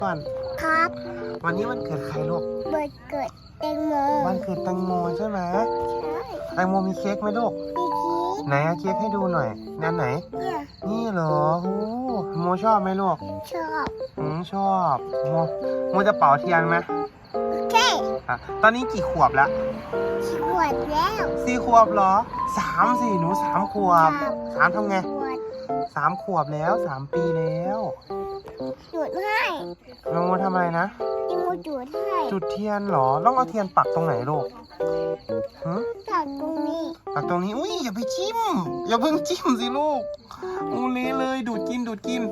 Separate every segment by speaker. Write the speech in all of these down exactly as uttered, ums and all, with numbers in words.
Speaker 1: ก่อน
Speaker 2: ครับ
Speaker 1: วันนี้วันเกิดใครลูก
Speaker 2: เบิดเกิดแตงโม
Speaker 1: วันเกิดแตงโมใช่ไหม
Speaker 2: ใช่
Speaker 1: แตงโมมีเค้กไหมลูก
Speaker 2: มีเค้ก
Speaker 1: ไหนเอาเค้กให้ดูหน่อยนั่นไหน
Speaker 2: เนี่ย
Speaker 1: นี่เหรอโอ้โมชอบไหมลูก
Speaker 2: ชอบ
Speaker 1: อืมชอบโมโมจะเป่าเทียนไหม
Speaker 2: โอเค
Speaker 1: อ่ะตอนนี้กี่ขวบแล้ว
Speaker 2: ขวดแล้ว
Speaker 1: สี่ขวบเหรอสามสี่หนูสามขวบสามทำไง
Speaker 2: ขวด
Speaker 1: สามขวบแล้วสามปีแล้ว
Speaker 2: จุดให้
Speaker 1: น้องโมทำอะไรนะ
Speaker 2: จิมูจุดให้
Speaker 1: จุดเทียนเหรอต้องเอาเทียนปักตรงไหนลูกหืม
Speaker 2: ปักตรงนี้
Speaker 1: ปักตรงนี้อุ้ยอย่าไปจิ้มอย่าเพิ่งจิ้มสิลูกอูเละเลยดูดกินดูดกิน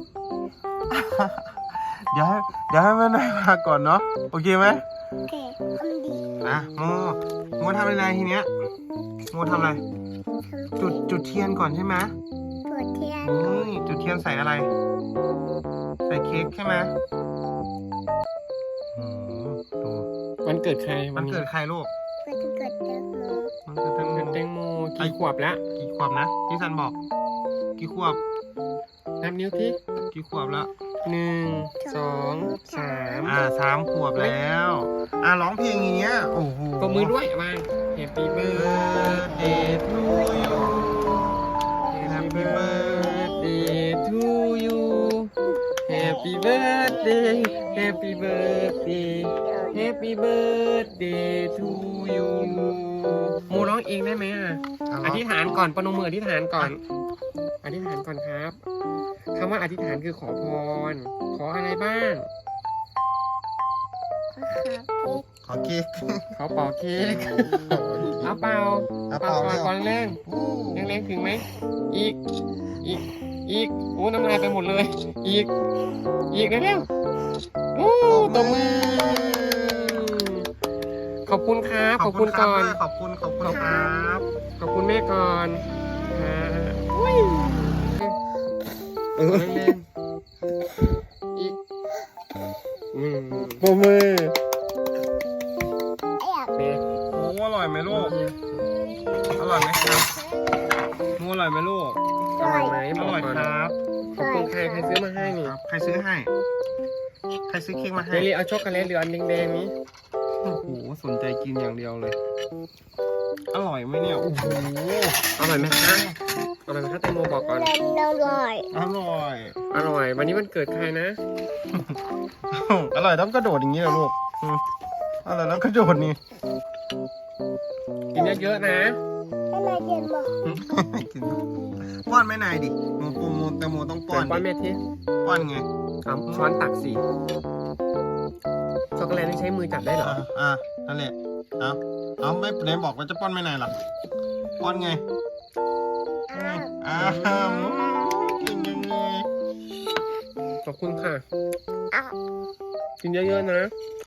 Speaker 1: เดี๋ยวให้เดี๋ยวให้แม่นายมาก่อนเนาะโอเคไหม
Speaker 2: โอเคทำดี
Speaker 1: อ่ะโมโมทำอะไรทีเนี้ยโมทำอะไรจุดจุดเทียนก่อนใช่ไหม
Speaker 2: จุดเทียน
Speaker 1: นี่จุดเทียนใส่อะไรใส่เค้กใช่ไหมอืมดู
Speaker 3: วันเกิดใคร
Speaker 1: วันเกิดใครลูก
Speaker 2: วันเกิดแตงโม
Speaker 1: วันเกิดแตงโม
Speaker 3: แตงโมกี่ขวบแล้ว
Speaker 1: กี่ขวบนะพี่ซันบอกกี่ขวบ
Speaker 3: นับนิ้วที่
Speaker 1: กี่ขวบแล้ว
Speaker 3: หนึ่งสองสาม
Speaker 1: อ่าสามขวบแล้วอ่าร้องเพลงอย่างเงี้ยโอ้โห
Speaker 3: ก็มือด้วยมา Happy birthday to you Happy birthday to you Happy birthday Happy birthday Happy birthday to you โมร้องเองได้ไหมอ่ะอธิษฐานก่อนประนมมืออธิษฐานก่อนอธิษฐานก่อนครับคำว่าอธิษฐานคือขอพรขออะไรบ้าง
Speaker 1: ขอเค้ก
Speaker 3: ขอเป่าเค้กเอาเป่าเป่าก่อนก่อนแรงแรงแรงถึงไหมอีกอีกอีกโอ้น้ำลายไปหมดเลยอีกอีกเร็วๆโอ้ตบมือขอบคุณครับขอบคุณก่อน
Speaker 1: ขอบคุณขอบคุณครับ
Speaker 3: ขอบคุณแม่ก่อนอ่าอุ้ยเออแรงๆอีกอืมปรบมือ
Speaker 1: โอ้อร่อยไหมลูกอร่อยไหมครับมูอร่อยไหมลูก
Speaker 3: อร่อยไหม
Speaker 1: อร่อยครับ
Speaker 3: ขอบคุณใครใครซื้อมาให้นี่
Speaker 1: ใครซื้อให้ใครซื้อเค้กมาให้
Speaker 3: เดลี่เอาช็อกโกแลตหรืออันแดงๆนี้
Speaker 1: โอ้โหสนใจกินอย่างเดียวเลยอร่อยไหมเนี่ยโอ้โห
Speaker 3: อร่อยไหมคะอร่อยไหมคะแตงโมบอกก่อน
Speaker 2: อร่อย
Speaker 1: อร่อย
Speaker 3: อร่อยวันนี้วันเกิดใครนะ
Speaker 1: อร่อยต้องกระโดดอย่างนี้เหรอลูกอร่อยต้องกระโดดนี่
Speaker 3: กินเยอะๆนะ
Speaker 2: อะไรเย็นบอก
Speaker 1: ป้อนแม่นายดิโมโมโมแตงโมต้องป้อน
Speaker 3: ป้อนแม่ที
Speaker 1: ป้อนไง
Speaker 3: เอาช้อนตักสิช็อกโกแลตนี่ใช้มือจับได้เหรอ
Speaker 1: อ่านั่นแหละเอาเอาไม่ไหนบอกว่าจะป้อนแม่นายหรอป้อนไงอ้าวกินยังไง
Speaker 3: ขอบคุณค่ะกินเยอะๆนะ